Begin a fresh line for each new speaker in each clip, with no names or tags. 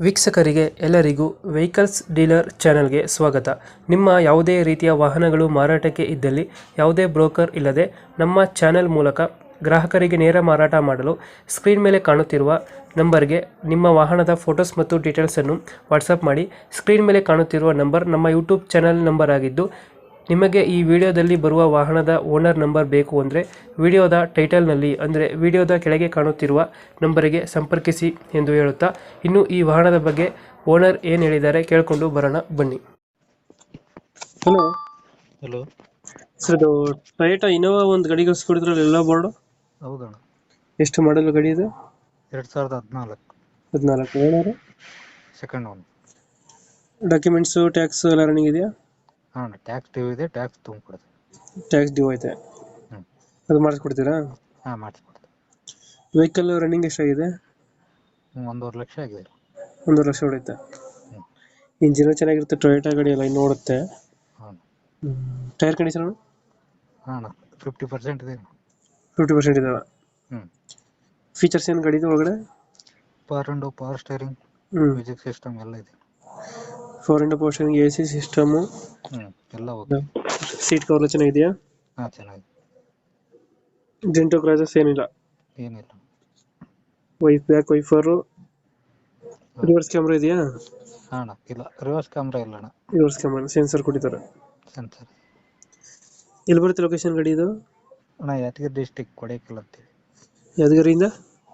ವೀಕ್ಷಕರಿಗೆ ಎಲ್ಲರಿಗೂ vehicles dealer ಚಾನೆಲ್ಗೆ ಸ್ವಾಗತ. ನಿಮ್ಮ ಯಾವುದೇ ರೀತಿಯ ವಾಹನಗಳು ಮಾರಾಟಕ್ಕೆ ಇದ್ದಲ್ಲಿ ಯಾವುದೇ ಬ್ರೋಕರ್ ಇಲ್ಲದೆ ನಮ್ಮ ಚಾನೆಲ್ ಮೂಲಕ ಗ್ರಾಹಕರಿಗೆ ನೇರ ಮಾರಾಟ ಮಾಡಲು ಸ್ಕ್ರೀನ್ ಮೇಲೆ ಕಾಣುತ್ತಿರುವ ನಂಬರ್ಗೆ ನಿಮ್ಮ ವಾಹನದ ಫೋಟೋಸ್ ಮತ್ತು ಡೀಟೇಲ್ಸನ್ನು ವಾಟ್ಸಪ್ ಮಾಡಿ. ಸ್ಕ್ರೀನ್ ಮೇಲೆ ಕಾಣುತ್ತಿರುವ ನಂಬರ್ ನಮ್ಮ ಯೂಟ್ಯೂಬ್ ಚಾನೆಲ್ ನಂಬರ್ ಆಗಿದ್ದು, ನಿಮಗೆ ಈ ವಿಡಿಯೋದಲ್ಲಿ ಬರುವ ವಾಹನದ ಓನರ್ ನಂಬರ್ ಬೇಕು ಅಂದರೆ ವಿಡಿಯೋದ ಟೈಟಲ್ನಲ್ಲಿ ಅಂದರೆ ವಿಡಿಯೋದ ಕೆಳಗೆ ಕಾಣುತ್ತಿರುವ ನಂಬರಿಗೆ ಸಂಪರ್ಕಿಸಿ ಎಂದು ಹೇಳುತ್ತಾ, ಇನ್ನು ಈ ವಾಹನದ ಬಗ್ಗೆ ಓನರ್ ಏನು ಹೇಳಿದ್ದಾರೆ ಕೇಳಿಕೊಂಡು ಬರೋಣ ಬನ್ನಿ. Hello
hello.
ಸರ್, ಇದು ಟೊಯೋಟಾ ಇನೋವಾ ಒಂದು ಗಾಡಿ ಕಳಿಸ್ಕೊಡಿದ್ರಲ್ಲ ಎಲ್ಲ ಬೋರ್ಡು,
ಹೌದಣ್ಣ.
ಎಷ್ಟು ಮಾಡಲು ಗಾಡಿ ಇದು?
2014
14 owner.
Second one.
Documents tax ಎಲ್ಲ ರನ್ನಿಂಗ್ ಇದೆಯಾ?
ಹಾಂ, ಟ್ಯಾಕ್ಸ್ ಡ್ಯೂ ಇದೆ, ಟ್ಯಾಕ್ಸ್ ತುಂಬಿಕೊಡ್ತೀವಿ.
ಟ್ಯಾಕ್ಸ್ ಡ್ಯೂ ಐತೆ,
ಹ್ಞೂ.
ಅದು ಮಾಡಿಸ್ಕೊಡ್ತೀರಾ?
ಹಾಂ, ಮಾಡಿಸ್ಕೊಡ್ತೀವಿ.
ವೆಹಿಕಲ್ ರನ್ನಿಂಗ್ ಎಷ್ಟಾಗಿದೆ?
1.5 ಲಕ್ಷ ಆಗಿದೆ.
1 ಲಕ್ಷ ಹೊಡೆಯುತ್ತೆ.
ಹ್ಞೂ.
ಇಂಜಿನ್ ಚೆನ್ನಾಗಿರುತ್ತೆ, ಟೊಯೋಟಾ ಗಾಡಿ ಎಲ್ಲ ಇನ್ನು ಓಡುತ್ತೆ.
ಹಾಂ.
ಟೈರ್ ಕಂಡೀಷನ್
ಹಾಂ, 50% ಇದೆ.
50% ಇದಾವೆ.
ಹ್ಞೂ.
ಫೀಚರ್ಸ್ ಏನು ಗಾಡಿದು ಒಳಗಡೆ?
ಪವರ್ ಸ್ಟೇರಿಂಗ್, ಮ್ಯೂಸಿಕ್ ಸಿಸ್ಟಮ್ ಎಲ್ಲ ಇದೆ.
4 ಪೋರ್ಷನ್, AC ಸಿಸ್ಟಮು,
ಹ್ಞೂ, ಎಲ್ಲ ಓಕೆ.
ಸೀಟ್ ಕವರ್ ಚೆನ್ನಾಗಿದೆಯಾ?
ಹಾಂ, ಚೆನ್ನಾಗಿದೆ.
ಡೆಂಟೋ ಕ್ರಾಚಸ್ ಏನಿಲ್ಲ?
ಏನಿಲ್ಲ.
ಬ್ಯಾಕ್ ವೈಫರು, ರಿವರ್ಸ್ ಕ್ಯಾಮ್ರಾ ಇದೆಯಾ?
ಹಾಂ ಅಣ್ಣ, ಇಲ್ಲ, ರಿವರ್ಸ್ ಕ್ಯಾಮ್ರಾ ಇಲ್ಲ ಅಣ್ಣ.
ರಿವರ್ಸ್ ಕ್ಯಾಮ್ರಾ, ಸೆನ್ಸರ್ ಕೊಟ್ಟಿದ್ದಾರೆ.
ಸೆನ್ಸರ್.
ಎಲ್ಲಿ ಬರುತ್ತೆ ಲೊಕೇಶನ್ ಗಾಡಿ ಇದು?
ಅಣ್ಣ, ಯಾದಗಿರಿ ಡಿಸ್ಟಿಕ್, ಕೊಡೇಕಲ್ ಅಂತೇಳಿ.
ಯಾದಗಿರಿಯಿಂದ?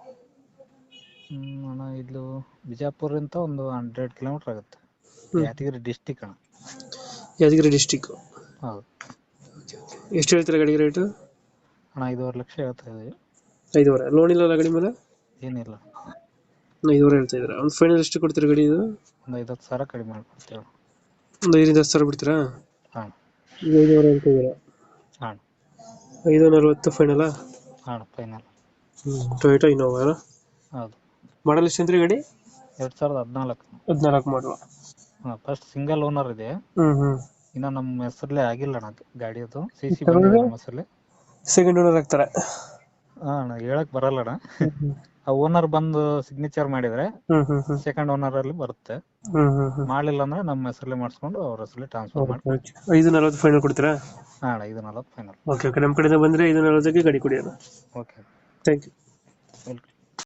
ಅಣ್ಣ, ಇದು ಬಿಜಾಪುರಿಂದ ಒಂದು 100 ಕಿಲೋಮೀಟ್ರ್ ಆಗುತ್ತೆ. ಯಾದಗಿರಿ ಡಿಸ್ಟಿಕ್ ಅಣ್ಣ.
ಯಾದಗಿರಿ ಡಿಸ್ಟಿಕ್.
ಹೌದು.
ಎಷ್ಟು ಹೇಳ್ತೀರಾ ಗಾಡಿಗೆ ರೇಟು?
ಅಣ್ಣ, 5.5 ಲಕ್ಷ ಹೇಳ್ತಾ ಇದ್ದೀವಿ.
5.5. ಲೋನ್ ಇಲ್ಲ ಗಾಡಿ ಮೇಲೆ?
ಏನಿಲ್ಲ.
5.5 ಹೇಳ್ತಾ ಇದ್ದೀರಾ. ಒಂದು ಫೈನಲ್ ಎಷ್ಟು ಕೊಡ್ತೀರಾ ಗಾಡಿ ಇದು?
ಒಂದು 50,000 ಕಡಿಮೆ ಮಾಡ್ಕೊಡ್ತೇವೆ.
ಒಂದು 5-10 ಸಾವಿರ ಬಿಡ್ತೀರಾ?
ಹಾಂ.
5.5 ಹೇಳ್ತಾ ಇದ್ದೀರಾ?
ಹಾಂ.
5.40 ಫೈನಲಾ?
ಹಾಂ, ಫೈನಲ್.
ಟೊಯೋಟಾ ಇನೋವಾ ಅಲ್ಲ?
ಹೌದು.
ಮಾಡಲ್ ಎಷ್ಟು ಅಂದ್ರೆ ಗಾಡಿ?
2014.
14 ಮಾಡಲು.
ಹಾಂ, ಫಸ್ಟ್ ಸಿಂಗಲ್ ಓನರ್ ಇದೆ. ಇನ್ನು ನಮ್ಮ ಹೆಸರಲ್ಲೇ ಆಗಿಲ್ಲ ಅಣ್ಣ ಗಾಡಿ. ಅದು CC ಬಂದಿದೆ ನಮ್ಮ ಹೆಸರಲ್ಲಿ.
ಸೆಕೆಂಡ್ ಓನರ್ ಆಗ್ತಾರೆ?
ಹಾಂ ಅಣ್ಣ, ಹೇಳಕ್ ಬರಲ್ಲ ಅಣ್ಣ. ಆ ಓನರ್ ಬಂದು ಸಿಗ್ನೇಚರ್ ಮಾಡಿದ್ರೆ ಸೆಕೆಂಡ್ ಓನರ್ ಅಲ್ಲಿ ಬರುತ್ತೆ. ಮಾಡಲಿಲ್ಲ ಅಂದ್ರೆ ನಮ್ಮ ಹೆಸರಲ್ಲೇ ಮಾಡಿಸ್ಕೊಂಡು ಅವ್ರ ಹೆಸರಲ್ಲಿ ಟ್ರಾನ್ಸ್ಫರ್ ಮಾಡಿ.
5.40 ಫೈನಲ್ ಕೊಡ್ತೀರಾ?
ಹಾಂ ಅಣ್ಣ, 5.40 ಫೈನಲ್.
ಓಕೆ, ನಮ್ಮ ಕಡೆಯಿಂದ ಬಂದರೆ 5.40ಗೆ ಗಾಡಿ ಕೊಡಿ.
ಓಕೆ.
Thank you.